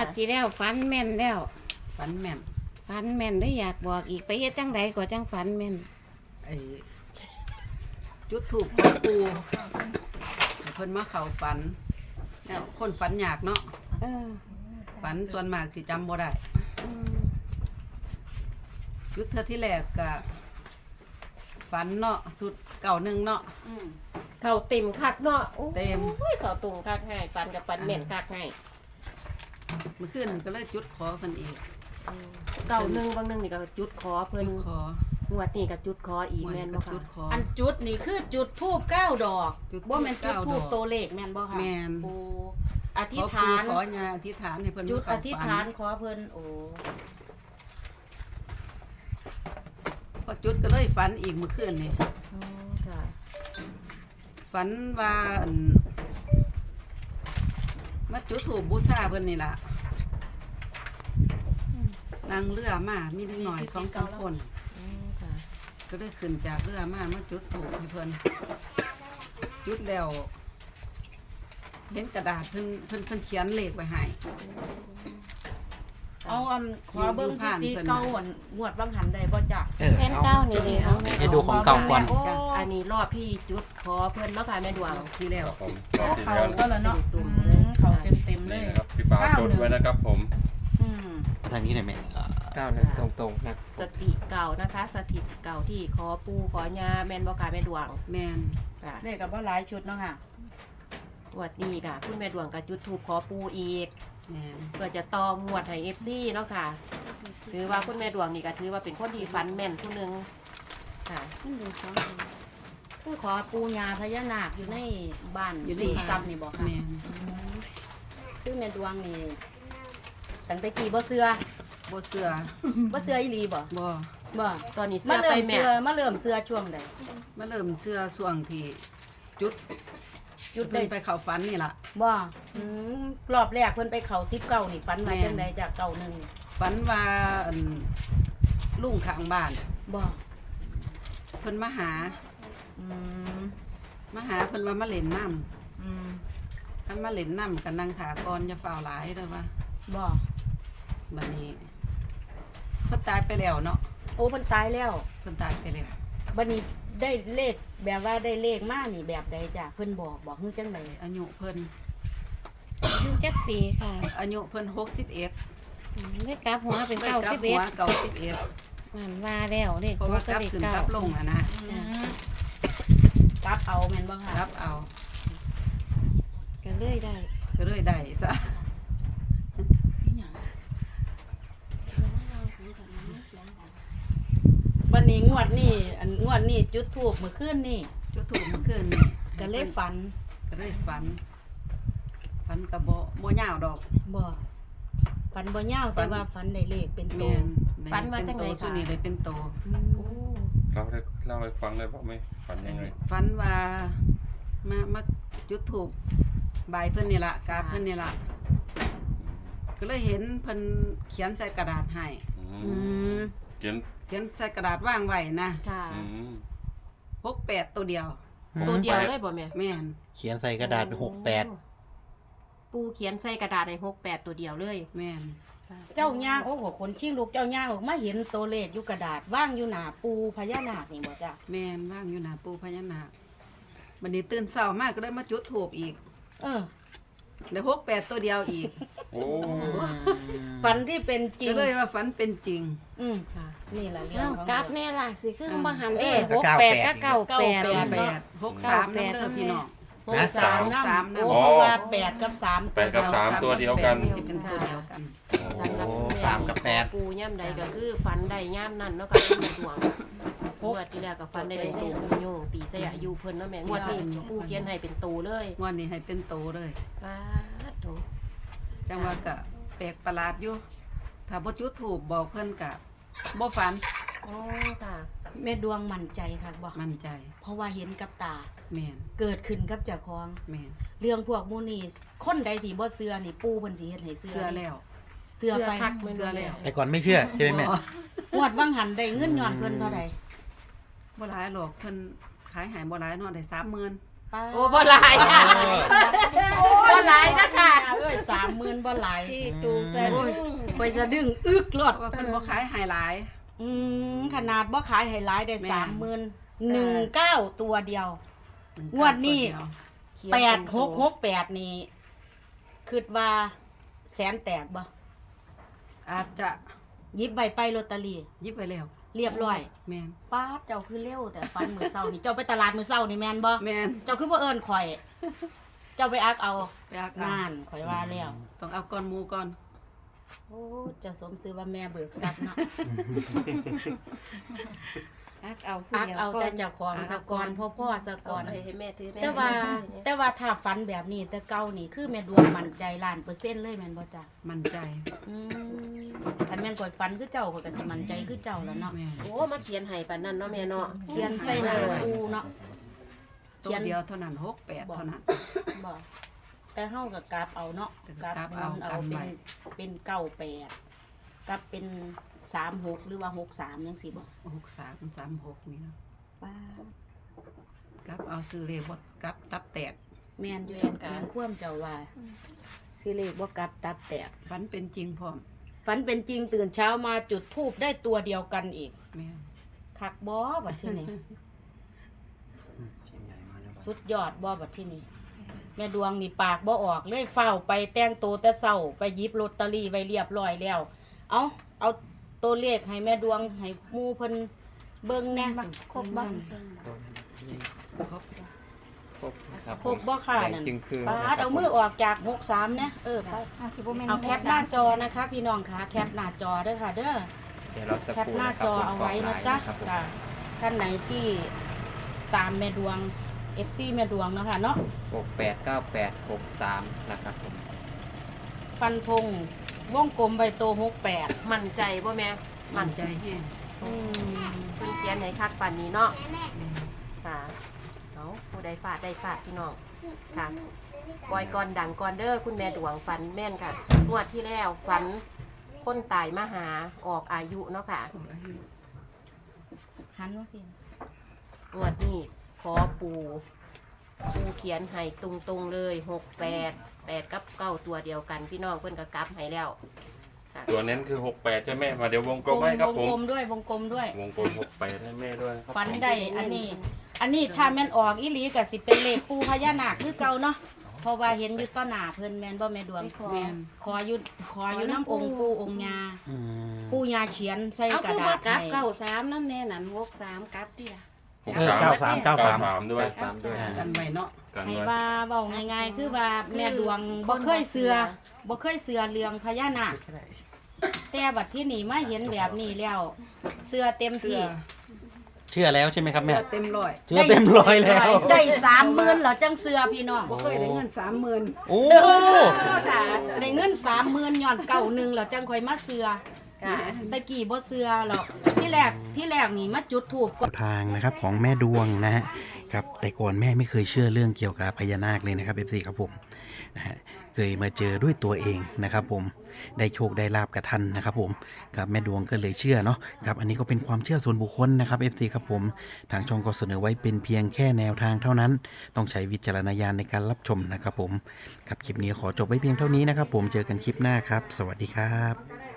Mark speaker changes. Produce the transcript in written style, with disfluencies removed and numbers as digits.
Speaker 1: ดที่แล้วฝันแม่นแล้ว
Speaker 2: ฝันแม่น
Speaker 1: ฝันแม่นได้อยากบอกอีกไปเฮ็ดจังใดก็จังฝันแม่น
Speaker 2: ไอ้จุดถูกของปูให้เพิ่นมาเข้าฝันแล้วคนฝันยากเนาะ
Speaker 1: เออ
Speaker 2: ฝันส่วนมากสิจำบ่ได้
Speaker 1: อืม
Speaker 2: จุดเทื่อที่แรกก็ฝันเนาะสุดเก่าหนึ่งเนาะ
Speaker 1: เขาเต็มคักเนาะโอ้
Speaker 2: เต็ม
Speaker 1: ยเขาตุงคักให้ฝันกับฝันแม่นคักให้
Speaker 2: เมื่อคืนก็เลยจุดขอเพิ่นอีก
Speaker 1: เก่าหนึงบางหนึงนี่ก็จุดขอเพิ่น
Speaker 2: จุดขอ
Speaker 1: งวดนี้ก็จุดขออีกแม่นบ่
Speaker 2: จุ
Speaker 1: ค่ะ
Speaker 2: ดขอ
Speaker 3: อันจุดนี่คือจุดทูบ9 ดอก
Speaker 2: จุดธูป
Speaker 3: บ่แม่นจุดทูบ
Speaker 2: 9 ดอก
Speaker 3: ตัวเลขแม่นบ่ค่ะ
Speaker 2: แม่น
Speaker 3: โอ้อธิ
Speaker 2: ข
Speaker 3: ษ
Speaker 2: อ
Speaker 3: ฐาน
Speaker 2: ขอยาอธิษฐานให้เพิ่น
Speaker 3: จุด
Speaker 2: มาเข้
Speaker 3: อธิษฐานขอเพิ่นโอ้
Speaker 2: พอจุดก็เลยฝันอีกเมื่อคืนนี่
Speaker 1: อ๋อค่ะ
Speaker 2: ฝันว่าอั่นมาจุดถูกบูชาเพิ่นนี่ล่ะนั่งเรือมามีนิดหน่อย2-3 คน
Speaker 1: อืมค่ะ
Speaker 2: ก็เลยขึ้นจากเรือมาจุดถูกให้เพิ่นจุดแล้วเห็นกระดาษเพิ่นเขียนเลขไว้ให้
Speaker 3: เอาขอเบิ่ง
Speaker 2: อยู่ผ่าน
Speaker 3: ที่
Speaker 2: เพิ่น
Speaker 3: เก่าหวนงวดบางหันได้บ่จ๊ะ
Speaker 1: แผ่นเก้านี่เด้ของแม่
Speaker 4: ให้ดูของเก่าก่อน
Speaker 3: โอ้
Speaker 1: อันนี้รอบที่จุดขอเพิ่นเนาะค่ะแม่ดวง
Speaker 2: ที่แล้ว
Speaker 5: ครับผม
Speaker 3: เขาก็แล้วเนาะ
Speaker 1: ตุ่ม
Speaker 3: อื
Speaker 1: เลย
Speaker 3: มเขาเต็มๆเล
Speaker 5: นี่
Speaker 3: ย
Speaker 5: นะครับพี่ปาจดไว้นะครับผม
Speaker 3: อืม
Speaker 4: ทางนี้หน่อยแม่
Speaker 6: 91ตรงๆนะ
Speaker 1: สติเก่านะคะ สถิตเก่าที่ขอปูขอยาแม่นบ่ค่ะแม่ดวง
Speaker 2: แม่น
Speaker 1: ค่ะ
Speaker 3: เลขก็บ่หลายชุดเนาะค่ะ
Speaker 1: งวดนี้ค่ะคุณแม่ดวงก็จุดธูปขอปูอีก
Speaker 2: แม่น
Speaker 1: เพื่อจะตองงวดให้ FC เนาะค่ะถือว่าคุณแม่ดวงนี่ก็ถือว่าเป็นคนที่ฝันแม่นผู้หนึงค่ะ
Speaker 3: คือขอปูญาพญานาคอยู่ในบ้านอยู่ในซ้ำนี่บ่ค่ะ
Speaker 2: แม่น
Speaker 3: คือแม่ดวงนี่ตั้งแต่กี่บ่เชื่อ
Speaker 2: บ่เชื่อ
Speaker 3: บ่เชื่ออีหลีบ่
Speaker 2: บ่
Speaker 3: บ่
Speaker 1: ตอนนี้
Speaker 3: มา
Speaker 1: เสื้อ
Speaker 3: เริ่
Speaker 1: ไป
Speaker 3: ม
Speaker 1: แม่
Speaker 3: เชื่อมาเริ่มเชื่อช่วงใด
Speaker 2: มาเริ่มเชื่อช่วงที่จุด
Speaker 3: จุด
Speaker 2: เพิ่
Speaker 3: ได้
Speaker 2: นไปเข้าฝันนี่ล่ะ
Speaker 3: บ่อืมรอบแรกเพิ่นไปเข้า19นี่ฝันมา
Speaker 2: แม่น
Speaker 3: จังไดจากเก่าหนึง
Speaker 2: ฝันว่าอั่นลุงข้างบ้าน
Speaker 3: บ่
Speaker 2: เพิ่นมาหา
Speaker 3: อืม
Speaker 2: เพิ่นว่ามาเล่นน้ำ
Speaker 3: อืม
Speaker 2: ท่านมาเล่นน้ำกันนั่งถากรจะฝ่าวหลายเด้อว่า
Speaker 3: บ่
Speaker 2: บัดนี้เพิ่นตายไปแล้วเนาะ
Speaker 3: โอ้เพิ่นตายแล้ว
Speaker 2: เพิ่นตายไปแล้ว
Speaker 3: บัดนี้ได้เลขแบบว่าได้เลขมานี่แบบใดจ้ะเพิ่นบอกคือจังได
Speaker 2: อายุเพิ่น
Speaker 1: อายุจักปีค่ะ
Speaker 2: อายุเพิ่น61
Speaker 1: ได้กลับหัวเป็น
Speaker 2: ได้กลับหัว
Speaker 1: 91
Speaker 2: 91
Speaker 1: นั่นว่าแล้วเลข
Speaker 2: เพราะว่ากลับขึ้นกลับลงอ่ะนะ
Speaker 3: อืมกลับเอาแม่นบ่ค่ะ
Speaker 2: รับเอา
Speaker 1: ก็เลยได้
Speaker 2: ก็เลยได้ซะ
Speaker 3: บัดนี้งวดนี้อันงวดนี้จุดธูปเมื่อคืนนี่
Speaker 2: จุดถูกเมื่อคืนนี่
Speaker 3: ก็เลยฝัน
Speaker 2: ก็เลยฝันก็บ่ยาวดอก
Speaker 3: บ่ฝันบ่ยาว
Speaker 2: ฝั
Speaker 3: แต่
Speaker 2: น
Speaker 3: ว่าฝันได้เลขเป็นโต
Speaker 2: แม่น
Speaker 1: ฝันว่าจัง
Speaker 2: โต
Speaker 1: ได
Speaker 2: ส่วน
Speaker 1: คะ
Speaker 2: นี้เลยเป็นโต
Speaker 1: โอ้
Speaker 5: เล่าให้ฟังได้บอกไหมฝันยังไง
Speaker 2: ฝันว่ามาจุดถูกใบายเพิ่นนี่ล่ะกราบเพิ่นนี่ล่ะก็เลยเห็นเพิ่นเขียนใส่กระดาษให้
Speaker 3: อืม
Speaker 5: เขียน
Speaker 2: เขียนใส่กระดาษว่างไว้นะ
Speaker 1: ค่ะ
Speaker 5: อืม
Speaker 2: 68ตัวเดียว
Speaker 1: ตัวเดียวเลยบ่แม่
Speaker 2: แม่น
Speaker 4: เขียนใส่กระดาษเป็น68
Speaker 1: ปูเขียนใส่กระดาษใน68ตัวเดียวเลย
Speaker 2: แม่น
Speaker 3: เจ้าย่างโอ้โหคนชิงลูกเจ้าย่างออกมาเห็นตัวเลขอยู่กระดาษว่างอยู่หน้าปูพญานาคนี่บ่จ้ะ
Speaker 2: แม่นว่างอยู่หน้าปู่พญานาคบัดนี้ตื่นเช้ามากก็เลยมาจุดธูปอีก
Speaker 3: เออ
Speaker 2: ได้68ตัวเดียวอีก
Speaker 5: โอ้
Speaker 3: ฝันที่เป็นจริง
Speaker 2: ก็เลยว่าฝันเป็นจริง
Speaker 3: อืม
Speaker 1: ค่ะ
Speaker 3: นี่แหละเรื่อ
Speaker 1: เอ้าง
Speaker 3: ของ
Speaker 1: กลับ
Speaker 3: เรื่อง
Speaker 1: แน่ล่ะสิคือบ่หัน
Speaker 3: เอ
Speaker 1: เด้
Speaker 3: อ
Speaker 1: 68ก็98
Speaker 2: 63น้ำเด้อพี่น้อง
Speaker 3: 63น้
Speaker 2: สาม
Speaker 3: ำ
Speaker 2: น้ำ
Speaker 3: โอ้เพราะว่า8กับ3
Speaker 5: 8 กับ 3 ตัวเดียวกัน
Speaker 2: สิเป็นตัวเดียวกัน
Speaker 1: สำหรับ
Speaker 4: โอ้
Speaker 1: คุณแม่
Speaker 4: 3 กับ 8
Speaker 1: ปูย่ำใดก็คือฝันใดย่ำนั่นเนาะค่ะคุณแม่ดวงงวดที่แล้วก็ฝันได้เป็นตูโยงตีใส่อายุเพิ่นเนาะแม่งวดนี้ปูเขียนให้เป็นตูเลย
Speaker 2: งวันนี้ให้เป็นโตเลย
Speaker 1: สาธุ
Speaker 2: จังว่าก็แปลกประหลาดอยู่ถ้าบ่จุดถูกบอกเพิ่นก็บ่ฝัน
Speaker 1: โอ้ค่ะ
Speaker 3: แม่ดวงมั่นใจค่ะบ่
Speaker 2: มั่นใจ
Speaker 3: เพราะว่าเห็นกับตา
Speaker 2: แม่น
Speaker 3: เกิดขึ้นกับเจ้าของ
Speaker 2: แม่น
Speaker 3: เรื่องพวกหมูนี่คนใดที่บ่เชื่อนี่ปู่เพิ่นสิเฮ็ดให้เชื่
Speaker 2: เชื่อแล้ว
Speaker 3: เชื่อไป
Speaker 1: คัก
Speaker 2: เชื่อแล้ว
Speaker 4: แต่ก่อนไม่เชื่อใช่ไหมแม่
Speaker 3: งวดวังหันได้เงินย้อนเพิ่นเท่าใด
Speaker 2: บ่หลายหรอกเพิ่นขายให้บ่หลายเนาะได้ 30,000
Speaker 3: ป้า
Speaker 1: โอ้บ่หลายค่ะบ่หลายนะคะ
Speaker 3: เอ้ย30,000บ่หลาย
Speaker 7: ที่ตูสะดุ้ง
Speaker 3: ไปสะดึงอึกรถ
Speaker 2: ว่าเพิ่นบ่ขายให้หลาย
Speaker 3: ขนาดบ่ขายให้หลายได้
Speaker 2: แม่
Speaker 3: 30,000 19ตัวเดียว งวดนี้ 8668นี่คิดว่าแสนแตกบ่
Speaker 2: อาจจะ
Speaker 3: หยิบใบไปลอตเตอรี่
Speaker 2: ยิบไปแล้ว
Speaker 3: เรียบร้อย
Speaker 2: แม่น
Speaker 3: ป้าดเจ้าคือเร็วแต่ฟันมื้อเช้านี่เจ้าไปตลาดมื้อเช้านี่แม่นบ่
Speaker 2: แม่น
Speaker 3: เจ้าคือบ่เอิ้นข่อย เจ้าไปอักเอา
Speaker 2: ไปอักเอา
Speaker 3: งานข่อยว่าแล้ว
Speaker 2: ต้องเอาก่อนหมู่ก่อน
Speaker 3: โอ้เจ้าสมซื้อว่าแม่เบิกทรัพย์เนาะ
Speaker 7: อักเอาผู้
Speaker 3: อัก
Speaker 7: เดียว
Speaker 3: เอา
Speaker 7: ก่อ
Speaker 3: แต่
Speaker 7: น
Speaker 3: เจ้าของสะกอนพ่อสะกอน
Speaker 1: ให้แม่ถือแน่
Speaker 3: แต่ว่าถ้าฝันแบบนี้แต่เก่านี่คือแม่ดวงมั่นใจ1,000%เลยแม่นบ่จ้ะ
Speaker 2: มั่นใจ
Speaker 3: คันแม่นข่อยฝันคือเจ้าข่อยก็สิมั่นใจคือเจ้าแล้วเนาะ
Speaker 2: แม่น
Speaker 1: โอ้มาเขียนให้ปานนั้นเนาะแม่เนาะ
Speaker 3: เขียนใส่หน้าปูเนาะ
Speaker 2: ตัวเดียวเท่านั้น68เท่านั้น
Speaker 3: บ่แต่เฮาก็กราบเอาเนาะ
Speaker 2: กราบเอา
Speaker 3: เอา
Speaker 2: กันไว้
Speaker 3: เป็น98กับเป็น36หรือว่า63จังซี่บ่
Speaker 2: 6336นี่เนาะ
Speaker 3: ป้า
Speaker 2: กับเอาซื้อเลขบ่กับตับแตก
Speaker 3: แม่นอยู่แม่นความเจ้าว่าสิเลขบ่กลับตับแตก
Speaker 2: ฝันเป็นจริงพร้อม
Speaker 3: ฝันเป็นจริงตื่นเช้ามาจุดธูปได้ตัวเดียวกันอีก
Speaker 2: แม่น
Speaker 3: คักบ่บัดที่นี่ สุดยอดบ่บัดที่นี่แม่ดวงนี่ปากบ่ออกเลยเฝ้าไปแต่งตัวแต่เช้าไปหยิบลอตเตอรี่ไว้เรียบร้อยแล้วเอาตัวเลขให้แม่ดวงให้หมู่เพิ่นเบิ่งแหน่ครบบ่
Speaker 2: ครบ
Speaker 6: ครบครับ
Speaker 3: ครบบ่ค่ะ
Speaker 6: แด
Speaker 3: นั่
Speaker 6: ง
Speaker 3: น
Speaker 6: จึงคือ
Speaker 3: ปาดเอามือออกจาก63นะไป
Speaker 7: สิบ่แม่น
Speaker 3: เอาแคปหน้าจอนะคะ พี่น้องค่ะแคปหน้าจอเด้อค่ะ เด้อ
Speaker 6: เดี๋ยวเราสัก
Speaker 3: แค
Speaker 6: ค
Speaker 3: ป
Speaker 6: รู่
Speaker 3: หน้า
Speaker 6: นะครับ
Speaker 3: จอ
Speaker 6: ผม
Speaker 3: เอาไว้นะจ๊ะ
Speaker 6: ครับผม
Speaker 3: จ้ะท่านไหนที่ตามแม่ดวง FC แม่ดวงเนาะค่ะเนาะ
Speaker 6: 689863นะครับผม
Speaker 3: ฟันธงวงกลมใบโต68
Speaker 1: มั่นใจบ่แม่
Speaker 2: มั่นใจแห้ง
Speaker 1: เพิ่นเขียนให้คักปานนี้เนาะค่ะเอาผู้ใดฟาดได้ฟาดพี่น้องค่ะปล่อยก่อนดังก่อนเด้อคุณแม่ดวงฝันแม่นค่ะงวดที่แล้วฝันคนตายมาหาออกอายุเนาะค่ะ
Speaker 3: หันว่าพี่
Speaker 1: งวดนี้ขอปูเขียนให้ตรงๆเลย68 กับ9ตัวเดียวกันพี่น้องเพิ่นก็กลับให้แล้วค่ะ
Speaker 5: ตัวเน้นคือ68ใช่ไหมมาเดี๋ยววงกลมให้ครับ
Speaker 3: ว
Speaker 5: ผ
Speaker 3: ง
Speaker 5: ม
Speaker 3: กลมด้วยวงกลมด้วย
Speaker 5: วงกลม68ให้แม่ด้วยครับ
Speaker 3: ฝันได้อันนี้ถ้าแม่นออกอีหลีก็สิเป็นเลขปูพญานาคคือเก่าเนาะเพราะว่าเห็นอยู่ต่อหน้าเพิ่นแม่นบ่แม่ดวง
Speaker 2: แม่น
Speaker 3: ขออยู่น้ำองค์ปู่องค์ยา
Speaker 4: อืม
Speaker 3: ปู่ยาเขียนใส่
Speaker 7: เอา
Speaker 3: กระ
Speaker 7: คือ
Speaker 3: ดา
Speaker 7: ว่า
Speaker 3: ษ
Speaker 7: กลับ
Speaker 3: ให้
Speaker 7: 93นั่นแน่นั่น63กลับติล่ะ
Speaker 4: 93
Speaker 5: ด้วย
Speaker 6: 93ด้วย
Speaker 2: กันไว้เนาะ
Speaker 5: กัน
Speaker 3: ให้
Speaker 5: ไว้
Speaker 3: ว่าเว้าง่ายๆ คือว่าแม่ดวงบ่เคยเสือเรื่องพญานาคแต่บัดที่นี่มาเห็นแบบนี้แล้วเสือเต็ม
Speaker 2: เสื้
Speaker 3: ที่
Speaker 2: อ
Speaker 4: เชื่อแล้วใช่ไหมครับ
Speaker 2: เสื้
Speaker 4: แม่
Speaker 2: อเต็มร้อย
Speaker 4: เชื่อเต็มร้อยแล้ว
Speaker 3: ได้30,000เหรอจังเสือพี่น้อง
Speaker 2: บ่เคยได้เงิน30,000
Speaker 4: โอ้
Speaker 3: ค่ะได้เงิน30,000ย้อนเก่าหนึงแล้วจังค่อยมาเสือ
Speaker 1: ค่ะ
Speaker 3: ตะกี้บ่เสือหรอกที่แรกนี่มาจุดธูป
Speaker 4: ทางนะครับของแม่ดวงนะฮะครับแต่ก่อนแม่ไม่เคยเชื่อเรื่องเกี่ยวกับพญานาคเลยนะครับ FC ครับผมนะฮะเลยมาเจอด้วยตัวเองนะครับผมได้โชคได้ลาบกับท่านนะครับผมครับแม่ดวงก็เลยเชื่อเนาะครับอันนี้ก็เป็นความเชื่อส่วนบุคคลนะครับ FC ครับผมทางช่องก็เสนอไว้เป็นเพียงแค่แนวทางเท่านั้น ต้องใช้วิจารณญาณในการรับชมนะครับผมครับคลิปนี้ขอจบไว้เพียงเท่านี้นะครับผมเจอกันคลิปหน้าครับ สวัสดีครับ